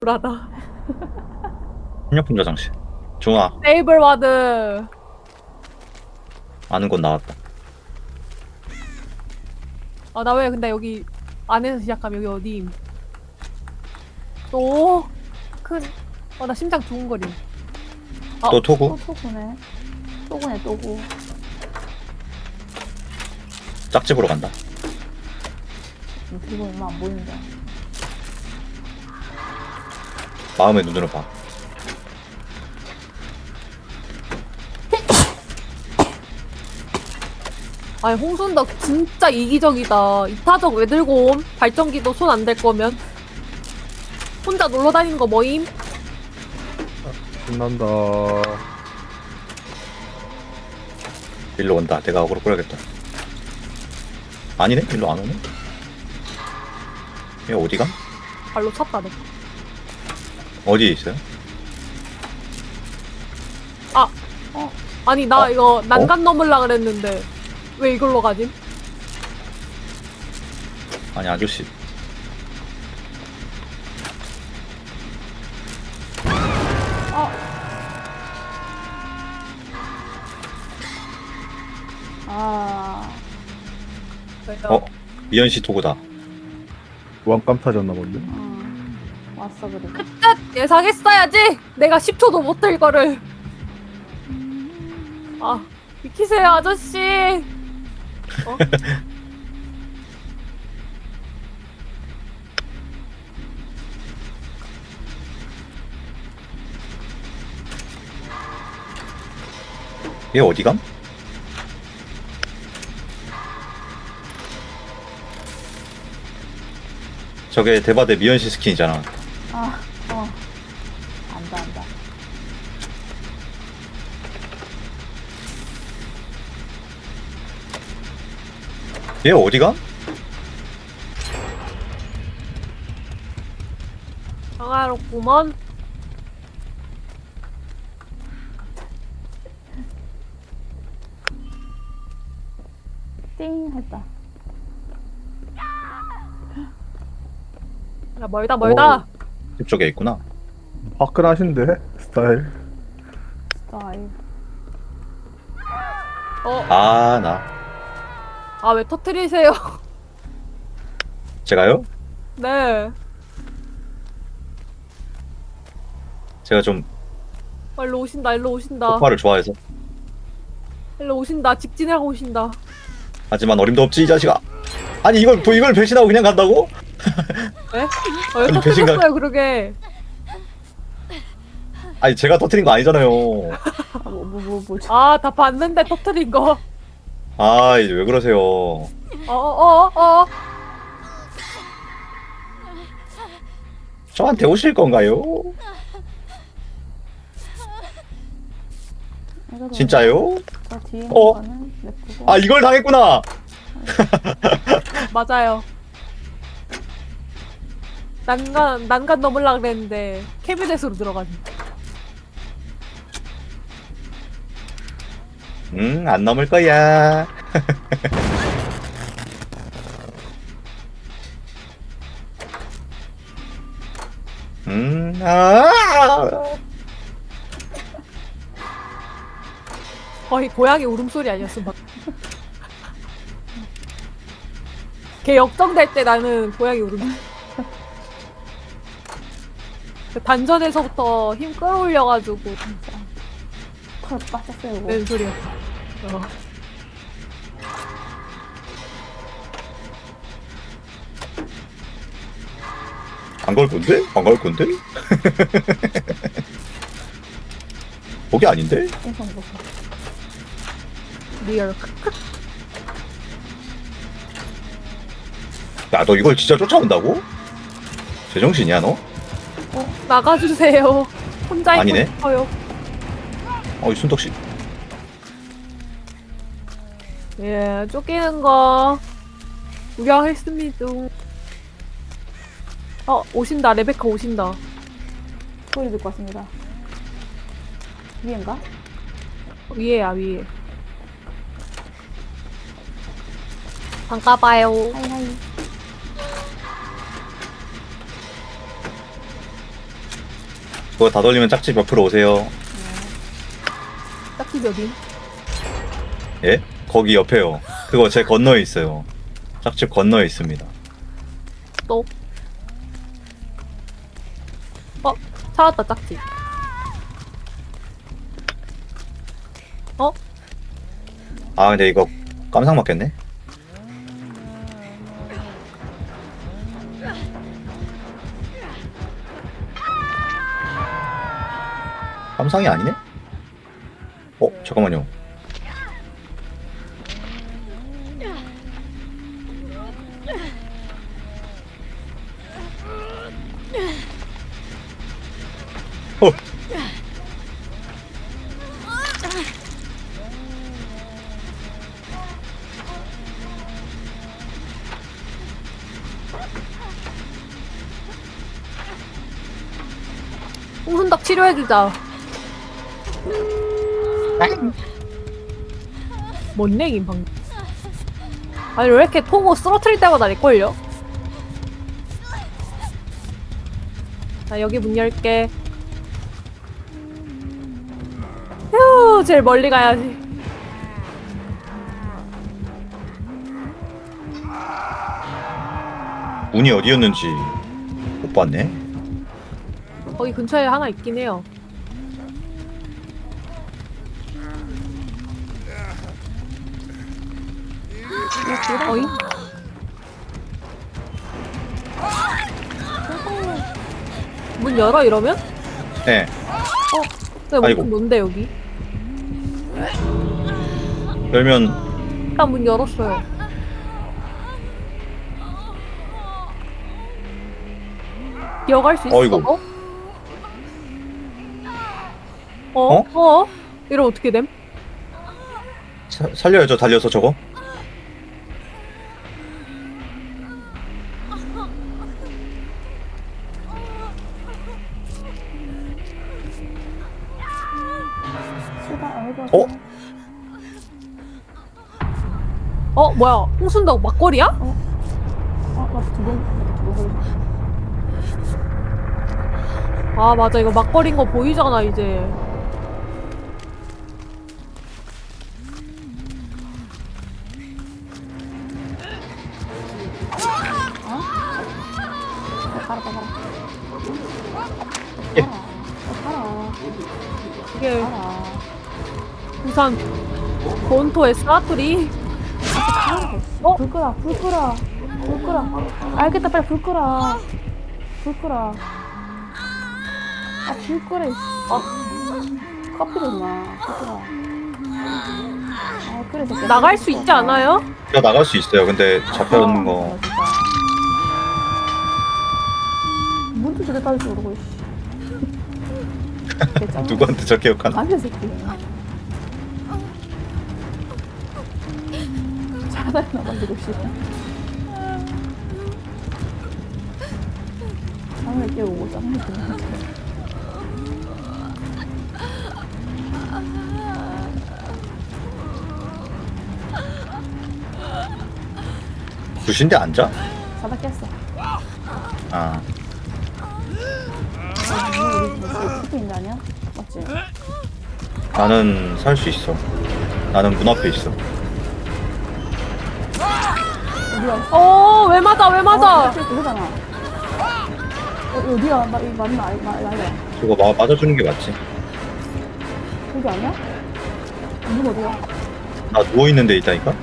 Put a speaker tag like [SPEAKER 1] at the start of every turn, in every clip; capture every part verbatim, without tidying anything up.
[SPEAKER 1] 불하다.
[SPEAKER 2] 협력품 저장실. 중아,
[SPEAKER 1] 테이블 와드.
[SPEAKER 2] 아는 곳 나왔다.
[SPEAKER 1] 아, 나 왜 근데 여기 안에서 시작하면 여기 어디임? 또 큰. 어, 나 심장 두근거림. 어,
[SPEAKER 2] 또
[SPEAKER 3] 또
[SPEAKER 2] 토구?
[SPEAKER 3] 토구네. 토구네, 토구.
[SPEAKER 2] 짝집으로 간다.
[SPEAKER 3] 그리고 얼마 안 보인다.
[SPEAKER 2] 마음의 눈으로 봐.
[SPEAKER 1] 아니 홍순덕 진짜 이기적이다. 이타적 왜 들고 옴? 발전기도 손 안 댈 거면. 혼자 놀러 다니는 거 뭐임?
[SPEAKER 4] 신난다.
[SPEAKER 2] 일로 온다. 내가 어그로 끌어야겠다. 아니네? 일로 안 오네? 얘 어디가?
[SPEAKER 1] 발로 찼다, 내.
[SPEAKER 2] 어디에 있어요?
[SPEAKER 1] 아!
[SPEAKER 3] 어?
[SPEAKER 1] 아니, 나
[SPEAKER 2] 어?
[SPEAKER 1] 이거 난간 넘으려 그랬는데. 왜 이걸로 가짐?
[SPEAKER 2] 아니, 아저씨.
[SPEAKER 3] 어? 아.
[SPEAKER 2] 어? 미연씨 토구다.
[SPEAKER 4] 왕깜 타졌나 본데.
[SPEAKER 3] 어. 왔어, 그리고.
[SPEAKER 1] 끝! 예상했어야지! 내가 십 초도 못 들 거를. 아, 비키세요, 아저씨! 어?
[SPEAKER 2] 얘 어디감? 저게 대바대 미연씨 스킨이잖아.
[SPEAKER 3] 아, 어. 안다, 안다.
[SPEAKER 2] 얘 어디감?
[SPEAKER 1] 평화롭구먼.
[SPEAKER 3] 띵! 했다.
[SPEAKER 1] 야, 멀다, 멀다.
[SPEAKER 2] 집 쪽에 있구나.
[SPEAKER 4] 화끈하신데 스타일.
[SPEAKER 3] 스타일.
[SPEAKER 1] 어,
[SPEAKER 2] 아, 나.
[SPEAKER 1] 아, 왜 터트리세요?
[SPEAKER 2] 제가요?
[SPEAKER 1] 네.
[SPEAKER 2] 제가 좀
[SPEAKER 1] 아, 일로 오신다, 일로 오신다.
[SPEAKER 2] 폭발을 좋아해서.
[SPEAKER 1] 일로 오신다, 직진하고 오신다.
[SPEAKER 2] 하지만 어림도 없지, 이 자식아. 아니, 이걸, 또 이걸 배신하고 그냥 간다고?
[SPEAKER 1] 왜? 아, 왜
[SPEAKER 2] 아니,
[SPEAKER 1] 터트렸어요,
[SPEAKER 2] 배신감-
[SPEAKER 1] 그러게?
[SPEAKER 2] 아니, 제가 터트린 거 아니잖아요.
[SPEAKER 3] 아, 뭐, 뭐, 뭐, 뭐.
[SPEAKER 1] 아, 다 봤는데 터트린 거.
[SPEAKER 2] 아, 이제 왜 그러세요?
[SPEAKER 1] 어, 어, 어, 어.
[SPEAKER 2] 저한테 오실 건가요?
[SPEAKER 3] 이거
[SPEAKER 2] 진짜요?
[SPEAKER 3] 저 뒤에 있는
[SPEAKER 2] 어?
[SPEAKER 3] 거는 냅두고.
[SPEAKER 2] 아, 이걸 당했구나!
[SPEAKER 1] 맞아요. 난간, 난간 넘으려고 그랬는데, 캐비넷으로 들어가네.
[SPEAKER 2] 음, 안 넘을 거야. 음, 아!
[SPEAKER 1] 거의 고양이 울음소리 아니었어, 막. 걔 역정될 때 나는 고양이 울음. 그 단전에서부터 힘 끌어올려가지고
[SPEAKER 3] 진짜. 털 빠졌어요, 이거.
[SPEAKER 1] 낸 소리였어. 어.
[SPEAKER 2] 안 걸 건데? 안 걸 건데? 거기 아닌데?
[SPEAKER 3] 인성 보고.
[SPEAKER 1] 리얼.
[SPEAKER 2] 야, 너 이걸 진짜 쫓아온다고? 제정신이야, 너?
[SPEAKER 1] 나가주세요. 혼자 있고
[SPEAKER 2] 아니네.
[SPEAKER 1] 싶어요.
[SPEAKER 2] 어, 이 순덕씨.
[SPEAKER 1] 예, 쫓기는 거 구경했습니다. 어, 오신다. 레베카 오신다.
[SPEAKER 3] 소리 듣고 왔습니다. 위엔가?
[SPEAKER 1] 위에야, 위에. 반가봐요.
[SPEAKER 3] 하이하이.
[SPEAKER 2] 그거 다 돌리면 짝집 옆으로 오세요.
[SPEAKER 1] 딱히 몇인?
[SPEAKER 2] 예? 거기 옆에요. 그거 제 건너에 있어요. 짝집 건너에 있습니다.
[SPEAKER 1] 또. 어, 찾았다, 짝지. 어?
[SPEAKER 2] 아 근데 이거 깜상 맞겠네? 깜상이 아니네? 어 잠깐만요. 어.
[SPEAKER 1] 홍순덕 치료해주자. 뭔 얘긴 방금. 아니 왜 이렇게 통호 쓰러트릴 때마다 낼걸요? 자 여기 문 열게. 휴 제일 멀리 가야지.
[SPEAKER 2] 문이 어디였는지 못 봤네.
[SPEAKER 1] 거기 근처에 하나 있긴 해요. 어이? 문 열어 이러면?
[SPEAKER 2] 네.
[SPEAKER 1] 근데
[SPEAKER 2] 아이고.
[SPEAKER 1] 문 뭔데 여기?
[SPEAKER 2] 열면
[SPEAKER 1] 일단 문 열었어요. 기어갈 수 있어?
[SPEAKER 2] 어이구.
[SPEAKER 1] 어? 어?
[SPEAKER 2] 어?
[SPEAKER 1] 어? 이러면 어떻게 됨?
[SPEAKER 2] 사, 살려야죠. 달려서 저거.
[SPEAKER 3] 수다 알고.
[SPEAKER 2] 어?
[SPEAKER 1] 어? 뭐야? 홍순덕 막걸리야?
[SPEAKER 3] 어, 나두 번, 두번 걸렸어.
[SPEAKER 1] 아 맞아 이거 막걸리인 거 보이잖아 이제.
[SPEAKER 3] 가라, 가라.
[SPEAKER 2] 예.
[SPEAKER 3] 가라. 가라.
[SPEAKER 1] 이게
[SPEAKER 3] 가라.
[SPEAKER 1] 부산 본토의 사투리.
[SPEAKER 3] 어? 불 끄라, 불 끄라, 불 끄라. 알겠다, 빨리 불 끄라. 불 끄라. 아, 불 끄라, 이씨. 아, 커피도 마. 불 끄라. 아, 그래, 새끼야.
[SPEAKER 1] 나갈 수 있지 않아요?
[SPEAKER 2] 제가 나갈 수 있어요. 근데 잡혀있는
[SPEAKER 3] 아,
[SPEAKER 2] 거.
[SPEAKER 3] 진짜. 문도 저래 따질 줄 모르고, 씨. 됐잖아.
[SPEAKER 2] 누구한테 저 기억하나?
[SPEAKER 3] 아니야, 새끼. 차라리 나가지고, 씨. 짱을 깨우고, 짱을 깨우고.
[SPEAKER 2] 부신데 앉아?
[SPEAKER 3] 자다 깼어.
[SPEAKER 2] 아.
[SPEAKER 3] 스프 있는 거 아니야? 맞지?
[SPEAKER 2] 나는 살 수 있어. 나는 문 앞에 있어.
[SPEAKER 3] 어디야?
[SPEAKER 1] 어, 왜 맞아, 왜 맞아?
[SPEAKER 3] 어, 그거잖아. 어, 어디야? 나, 이거 맞나? 아, 나, 나야.
[SPEAKER 2] 저거 마, 맞아주는 게 맞지?
[SPEAKER 3] 여기 아니야? 문 어디야?
[SPEAKER 2] 나 누워있는 데 있다니까?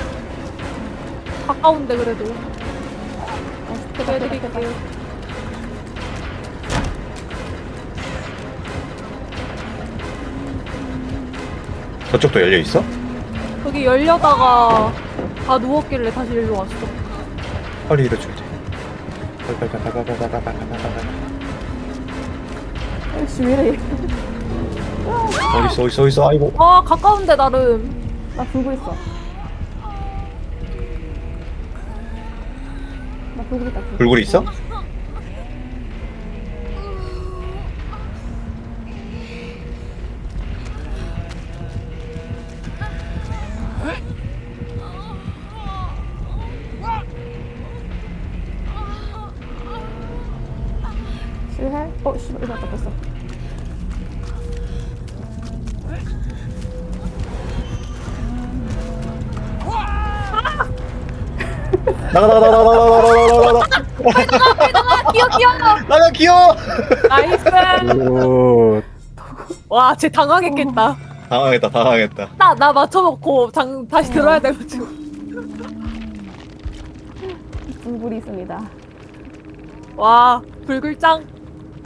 [SPEAKER 1] 가까운데 그래도.
[SPEAKER 3] 어, 스프다, 스프다, 스프다.
[SPEAKER 1] 해드릴게요.
[SPEAKER 2] 저쪽도 열려있어?
[SPEAKER 1] 여기 열려다가 다 누웠길래 다시 일로 왔어.
[SPEAKER 2] 빨리 이래줘야 돼. 빨빨빨빨빨빨빨빨빨빨빨빨.
[SPEAKER 3] 아이씨, 왜 이래?
[SPEAKER 2] 어딨어 어딨어 어딨어 아이고.
[SPEAKER 1] 아, 가까운데 나름.
[SPEAKER 3] 나 불고 있어. 나 불고 있다. 불고.
[SPEAKER 2] 불굴이 있어?
[SPEAKER 3] 실해? 어, 씨발, 이거 왔다, 뺐어.
[SPEAKER 2] 나가 나가 나가 나가 나가 나가 나가
[SPEAKER 1] 귀여 귀여.
[SPEAKER 2] 나가 귀여워.
[SPEAKER 1] 나이스.
[SPEAKER 4] 오,
[SPEAKER 1] 와, 쟤 당황했겠다.
[SPEAKER 2] 당황했다 당황했다.
[SPEAKER 1] 나 나 맞춰놓고 장 다시 들어야 돼가지고.
[SPEAKER 3] 불굴이 있습니다.
[SPEAKER 1] 와, 불글짱.